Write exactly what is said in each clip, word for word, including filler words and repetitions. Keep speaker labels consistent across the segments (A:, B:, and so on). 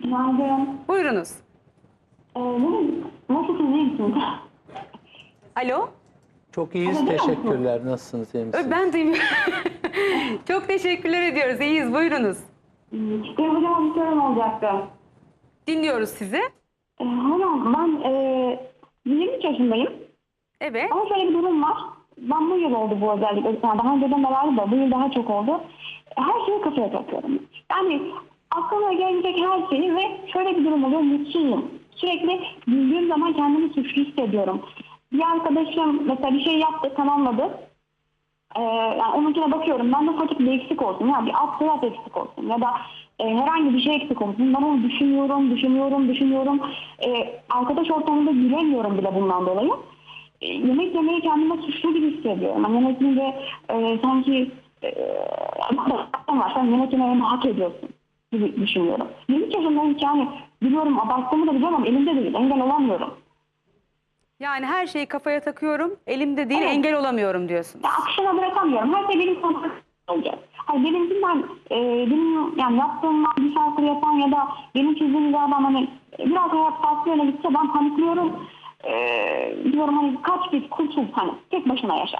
A: Günaydın.
B: Buyurunuz.
A: Ee, benim nasılsınız, iyi misiniz?
B: Alo.
C: Çok iyiyiz,
A: Alo, duyuyor musunuz?
C: teşekkürler. Nasılsınız, iyi misiniz?
B: Ben duymuyorum. Çok teşekkürler ediyoruz. İyiyiz. Buyurunuz.
A: Hmm, Benim hocam bir sorum olacaktı.
B: Dinliyoruz sizi.
A: Ee, hocam ben e, yirmi üç yaşındayım.
B: Evet.
A: Ama şöyle bir durum var. Ben bu yıl oldu bu özellikle. Yani daha önceden de vardı da bu yıl daha çok oldu. Her şeyi kafaya takıyorum. Yani aklıma gelecek her şeyi ve şöyle bir durum oluyor. Mutsuzum. Sürekli güldüğüm zaman kendimi suçlu hissediyorum. Bir arkadaşım mesela bir şey yaptı, tamamladı. Ee, yani onunkine bakıyorum. Ben de ufacık bir eksik olsun. Ya bir alt taraf eksik olsun. Ya da e, herhangi bir şey eksik olsun. Ben onu düşünüyorum, düşünüyorum, düşünüyorum. Ee, arkadaş ortamında gülemiyorum bile bundan dolayı. E, yemek yemeyi kendime suçlu gibi hissediyorum. Yani yemek yiyince e, sanki e, var. Sen yemek yemeyi hak ediyorsun gibi düşünüyorum. yirmi üç yaşındayım ki yani biliyorum, abarttığımı da biliyorum ama elimde değil. Engel olamıyorum.
B: Yani her şeyi kafaya takıyorum. Elimde değil,
A: Evet.
B: engel olamıyorum diyorsunuz.
A: Ya akışına bırakamıyorum. Her şey benim kontrolüm olacak. Hayır benimkinden, e, benim yani yaptığımdan bir şarkı yapan ya da benim çizdiğim bir adam hani biraz hayat farklı yöne gitse ben panikliyorum. E, diyorum hani kaç bir kurtul, hani tek başına yaşa.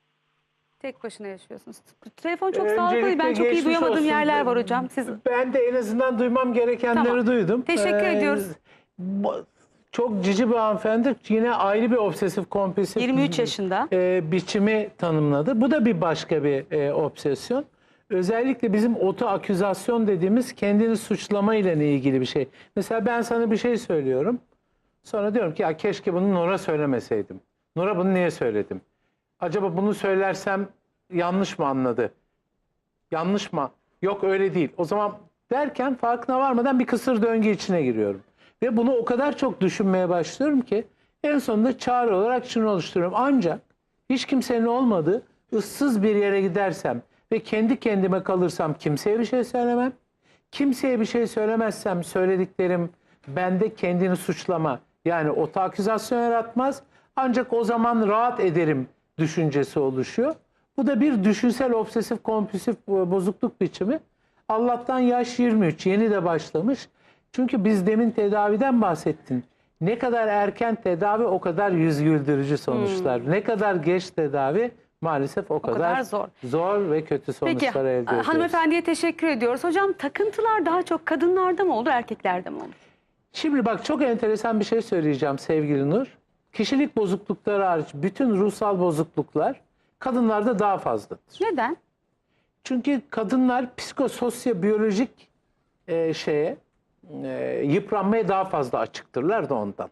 B: Tek başına yaşıyorsunuz. Telefon çok
C: Öncelikle
B: sağlıklı. Ben çok iyi
C: geçmiş
B: duyamadığım
C: olsun.
B: yerler var hocam. Siz
C: Ben de en azından duymam gerekenleri
B: Tamam.
C: duydum.
B: Teşekkür ediyoruz.
C: bu- Çok cici bir hanımefendi yine ayrı bir obsesif kompulsif
B: yirmi üç yaşında.
C: e, biçimi tanımladı. Bu da bir başka bir e, obsesyon. Özellikle bizim otoaküzasyon dediğimiz kendini suçlama ile ilgili bir şey. Mesela ben sana bir şey söylüyorum. Sonra diyorum ki ya keşke bunu Nur'a söylemeseydim. Nur'a bunu niye söyledim? Acaba bunu söylersem yanlış mı anladı? Yanlış mı? Yok öyle değil. O zaman derken farkına varmadan bir kısır döngü içine giriyorum. Ve bunu o kadar çok düşünmeye başlıyorum ki en sonunda çare olarak şunu oluşturuyorum. Ancak hiç kimsenin olmadığı ıssız bir yere gidersem ve kendi kendime kalırsam kimseye bir şey söylemem. Kimseye bir şey söylemezsem söylediklerim bende kendini suçlama, yani otoaküzasyon yaratmaz. Ancak o zaman rahat ederim düşüncesi oluşuyor. Bu da bir düşünsel obsesif kompulsif bozukluk biçimi. Allah'tan yaş yirmi üç, yeni de başlamış. Çünkü biz demin tedaviden bahsettin. Ne kadar erken tedavi o kadar yüz güldürücü sonuçlar. Hmm. Ne kadar geç tedavi maalesef o, o kadar, kadar zor. zor ve kötü sonuçlar
B: Peki,
C: elde ediyoruz.
B: hanımefendiye teşekkür ediyoruz. Hocam takıntılar daha çok kadınlarda mı olur, erkeklerde mi olur?
C: Şimdi bak çok enteresan bir şey söyleyeceğim sevgili Nur. Kişilik bozuklukları hariç bütün ruhsal bozukluklar kadınlarda daha fazladır.
B: Neden?
C: Çünkü kadınlar psikososyobiyolojik e, şeye, e, yıpranmaya daha fazla açıktırlar da ondan.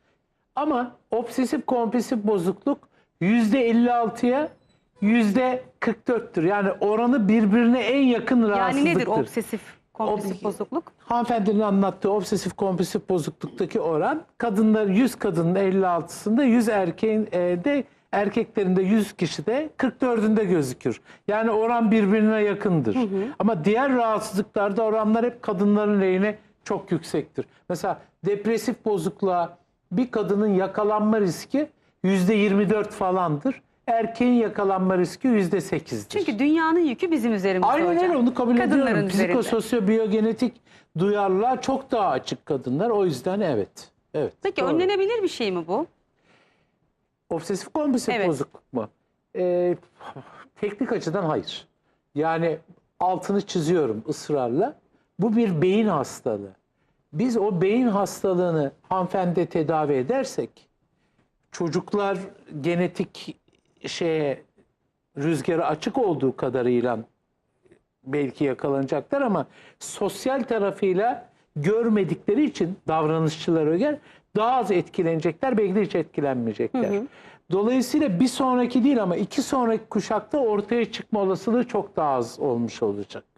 C: Ama obsesif kompulsif bozukluk yüzde elli altıya yüzde kırk dörttür. Yani oranı birbirine en yakın rahatsızlıktır.
B: Yani nedir obsesif kompulsif
C: Ob
B: bozukluk?
C: Hanımefendinin anlattığı obsesif kompulsif bozukluktaki oran, kadınlar yüz kadının elli altısında, yüz erkeğin e, de erkeklerinde yüz kişide kırk dördünde gözükür. Yani oran birbirine yakındır. Hı hı. Ama diğer rahatsızlıklarda oranlar hep kadınların lehine çok yüksektir. Mesela depresif bozukluğa bir kadının yakalanma riski yüzde yirmi dört falandır. Erkeğin yakalanma riski yüzde sekizdir.
B: Çünkü dünyanın yükü bizim üzerimizde
C: Aynen
B: hocam.
C: öyle, onu kabul
B: Kadınların
C: ediyorum.
B: üzerinde.
C: Psikososyobiyogenetik duyarlılığa çok daha açık kadınlar. O yüzden evet. Evet.
B: Peki
C: doğru.
B: önlenebilir bir şey mi bu?
C: Obsesif kompulsif
B: Evet.
C: bozukluk mu? Ee, teknik açıdan hayır. Yani altını çiziyorum ısrarla. Bu bir beyin hastalığı. Biz o beyin hastalığını hanımefendi tedavi edersek, çocuklar genetik şeye, rüzgara açık olduğu kadarıyla belki yakalanacaklar ama sosyal tarafıyla görmedikleri için davranışçılara göre daha az etkilenecekler, belki de hiç etkilenmeyecekler. Hı hı. Dolayısıyla bir sonraki değil ama iki sonraki kuşakta ortaya çıkma olasılığı çok daha az olmuş olacak.